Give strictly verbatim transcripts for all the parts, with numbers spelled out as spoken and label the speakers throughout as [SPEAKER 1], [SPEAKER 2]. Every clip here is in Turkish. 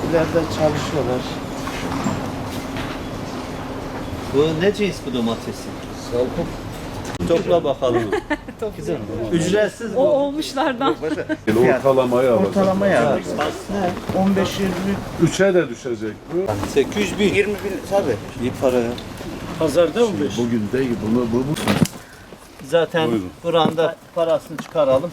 [SPEAKER 1] İleride çalışıyorlar.
[SPEAKER 2] Bu ne cins bu domatesi? Salkım. Topla bakalım. Güzel. Ücretsiz
[SPEAKER 3] O
[SPEAKER 2] bu.
[SPEAKER 3] olmuşlardan.
[SPEAKER 4] Ortalamayı alacak.
[SPEAKER 1] Ortalamaya alır. on beş yirmi
[SPEAKER 4] Üçe de düşecek bu.
[SPEAKER 2] sekiz yüz bin.
[SPEAKER 1] yirmi bin tabii.
[SPEAKER 2] İyi para ya.
[SPEAKER 5] Pazarda on beş.
[SPEAKER 4] Bugün değil bunu bu bu.
[SPEAKER 2] Zaten
[SPEAKER 4] Buyurun.
[SPEAKER 2] buranda parasını çıkaralım.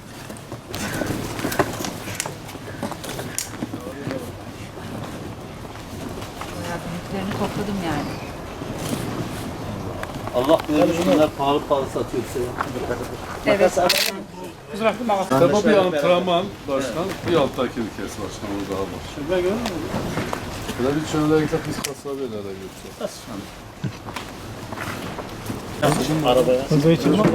[SPEAKER 3] Büyüklerini topladım yani.
[SPEAKER 2] Allah böyle şunlar pahalı pahalı satıyorsa ya.
[SPEAKER 3] Evet.
[SPEAKER 4] Tabii bir antrenman başkan, bir alttaki bir kes başkan o daha var.
[SPEAKER 5] Şurada görüyor musun?
[SPEAKER 4] Böyle bir şöyle gidip biz kasabelere götürelim.
[SPEAKER 5] Arabaya. Hızlı için var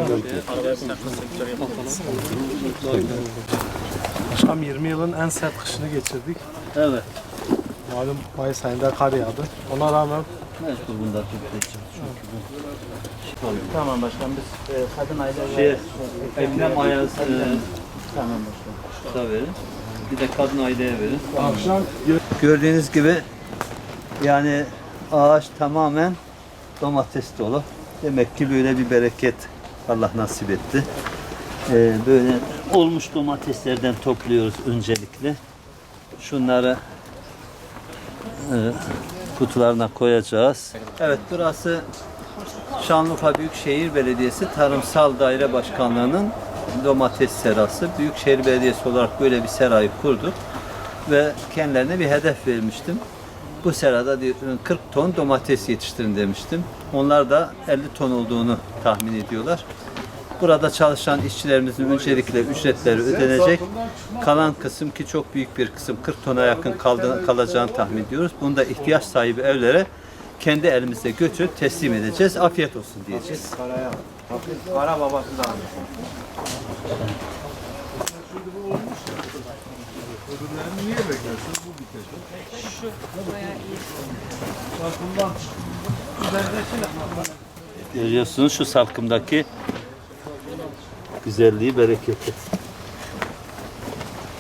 [SPEAKER 6] Başkanım yirmi yılın en sert kışını geçirdik.
[SPEAKER 2] Evet.
[SPEAKER 6] Malum Mayıs ayında kar yağdı. Ona rağmen
[SPEAKER 2] Mecbur bunlar toplayacağız çünkü bu.
[SPEAKER 1] Tamam başkan biz e, kadın aile
[SPEAKER 2] Şey, Ekrem Ayaz
[SPEAKER 1] tamam başkan.
[SPEAKER 2] da verin. Bir de kadın aileye verin.
[SPEAKER 4] Akşam
[SPEAKER 2] Gördüğünüz gibi yani ağaç tamamen domates dolu. Demek ki böyle bir bereket Allah nasip etti. Ee, böyle olmuş domateslerden topluyoruz öncelikle. Şunları e, kutularına koyacağız. Evet, burası Şanlıurfa Büyükşehir Belediyesi Tarımsal Daire Başkanlığı'nın domates serası. Büyükşehir Belediyesi olarak böyle bir serayı kurduk ve kendilerine bir hedef vermiştim. Bu serada kırk ton domates yetiştirin demiştim. Onlar da elli ton olduğunu tahmin ediyorlar. Burada çalışan işçilerimizin öncelikle ücretleri ödenecek. Kalan kısım ki çok büyük bir kısım kırk tona yakın kaldı, kalacağını tahmin ediyoruz. Bunu da ihtiyaç sahibi evlere kendi elimizde götürüp teslim edeceğiz. Afiyet olsun diyeceğiz.
[SPEAKER 1] Kara babası da almış.
[SPEAKER 4] niye beklersin? Bu bitecek.
[SPEAKER 3] Şu bayağı iyi.
[SPEAKER 2] Görüyorsunuz şu salkımdaki güzelliği, bereketi.